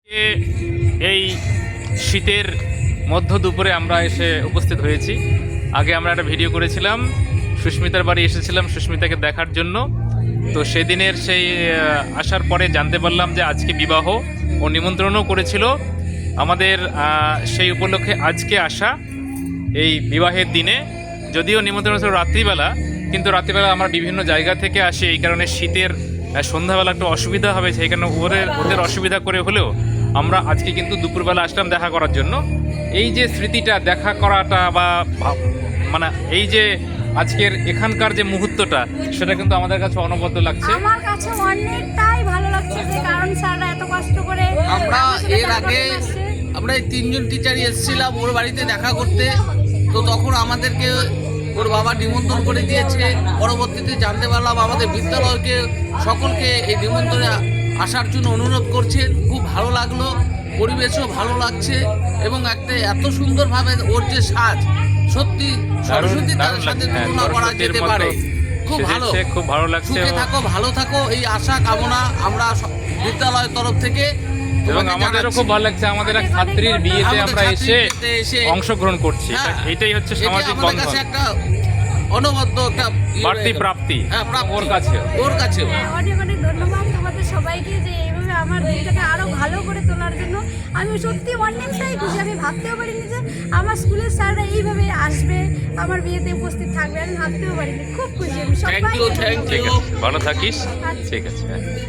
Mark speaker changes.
Speaker 1: এই শীতের মধ্য দুপুরে আমরা এসে উপস্থিত হয়েছি। আগে আমরা একটা ভিডিও করেছিলাম, সুস্মিতার বাড়ি এসেছিলাম সুস্মিতাকে দেখার জন্য। তো সেদিনের সেই আসার পরে জানতে পারলাম যে আজকে বিবাহ, ও নিমন্ত্রণও করেছিল আমাদের। সেই উপলক্ষে আজকে আসা এই বিবাহের দিনে, যদিও নিমন্ত্রণ ছিল রাত্রিবেলা, কিন্তু রাত্রিবেলা আমরা বিভিন্ন জায়গা থেকে আসি, এই কারণে শীতের সন্ধ্যাবেলা একটু অসুবিধা হবে, সেই কারণে ওদের অসুবিধা করে হলেও আমরা আজকে কিন্তু দুপুরবেলা আসলাম দেখা করার জন্য। এই যে স্মৃতিটা, দেখা করাটা বা মানে এই যে আজকের এখানকার যে মুহূর্তটা, সেটা কিন্তু আমাদের কাছে অনবদ্য লাগছে।
Speaker 2: আমার কাছে অনেকটাই ভালো লাগছে, যে কারণ স্যাররা এত কষ্ট করে
Speaker 3: আমরা এর আগে আমরা এই তিনজন টিচারই এসেছিলাম ওর বাড়িতে দেখা করতে। তো তখন আমাদেরকে ওর বাবা নিমন্ত্রণ করে দিয়েছে। পরবর্তীতে জানতে পারলাম আমাদের বিদ্যালয়কে সকলকে এই নিমন্ত্রণে আসার জন্য অনুরোধ করছেন। খুব ভালো লাগলো, পরিবেশও ভালো লাগছে, এবং একটা এত সুন্দরভাবে ওর যে সাজ, সত্যি সরস্বতী তার সাথে তুলনা করা যেতে পারে। খুব ভালো
Speaker 1: লাগছে।
Speaker 3: সুখে থাকো, ভালো থাকো, এই আশা কামনা আমরা বিদ্যালয়ের তরফ থেকে।
Speaker 1: এবং আমাদেরও খুব ভালো লাগছে, আমাদের এক ছাত্রীর বিয়েতে আমরা এসে অংশগ্রহণ করছি। এটাই হচ্ছে সামাজিক বন্ধন,
Speaker 3: একটা অনবদ্য একটা
Speaker 1: বাড়তি প্রাপ্তি ওর কাছে।
Speaker 2: অনেক অনেক ধন্যবাদ তোমাদের সবাইকে, যে এইভাবে আমার দিনটাকে আরো ভালো করে তোলার জন্য। আমি সত্যি অনেকটাই খুশি, আমি ভাবতেও পারিনি যে আমার স্কুলের স্যাররা এইভাবে আসবে, আমার বিয়েতে উপস্থিত থাকবে, আমি ভাবতেও পারিনি। খুব খুশি আমি। সবাই
Speaker 1: ভালো থাকিস। ঠিক আছে।